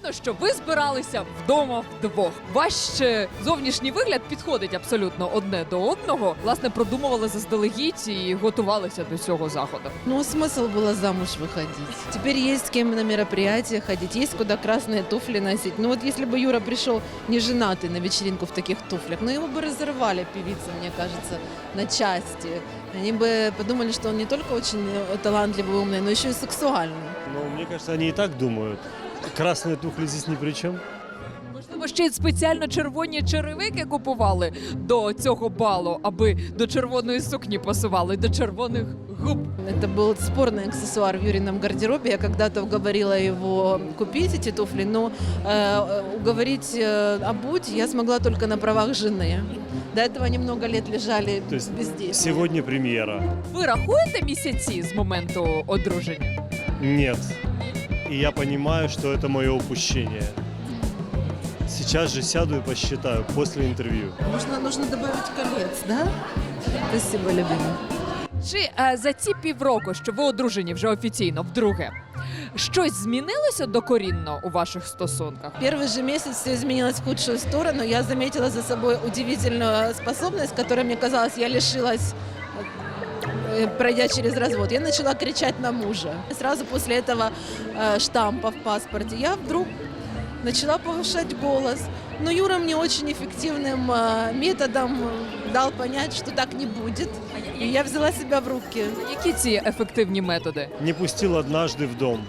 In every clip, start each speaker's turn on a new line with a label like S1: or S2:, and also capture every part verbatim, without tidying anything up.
S1: Видно, що ви збиралися вдома вдвох. Ваш е, зовнішній вигляд підходить абсолютно одне до одного. Власне, продумували заздалегідь і готувалися до цього заходу.
S2: Ну, смысл было замуж выходить. Теперь есть с кем на мероприятия ходить, есть куда красные туфли носить. Ну вот если бы Юра пришел не женатый на вечеринку в таких туфлях, ну его бы разорвали певицы, мне кажется, на части. Они бы подумали, что он не только очень талантливый, умный, но еще и сексуальный.
S3: Ну, мне кажется, они и так думают. Красные туфли здесь ни при чем.
S1: Можливо, ще й спеціально червоні черевики купували до цього балу, аби до червоної сукні пасували, до червоних губ.
S2: Это был спорный аксессуар в Юрином гардеробе. Я когда-то уговорила его купить эти туфли, но э, уговорить э, обуть я смогла только на правах жены. До этого они много лет лежали
S3: То есть
S2: без действия.
S3: сегодня премьера.
S1: Ви рахуєте місяці з моменту одруження?
S3: Нет. И я понимаю, что это мое упущение. Сейчас же сяду и посчитаю после интервью.
S2: Нужно, нужно добавить колец, да? Спасибо, любимый.
S1: Чи е, за ці півроку, що ви одружені вже офіційно вдруге, щось змінилося докорінно у ваших стосунках?
S2: Первый же месяц все изменилось в худшую сторону. Я заметила за собой удивительную способность, которой, мне казалось, я лишилась, э, пройдя через развод. Я начала кричать на мужа. Сразу после этого э, штампа в паспорте я вдруг начала повышать голос. Но Юра мне очень эффективным э, методом дал понять, что так не будет. И я взяла себя в руки.
S1: Які ці ефективні методи?
S3: Не пустил однажды в дом.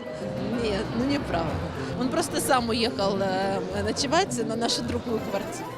S2: Нет, ну неправда. Он просто сам уехал э, ночевать на нашу другую квартиру.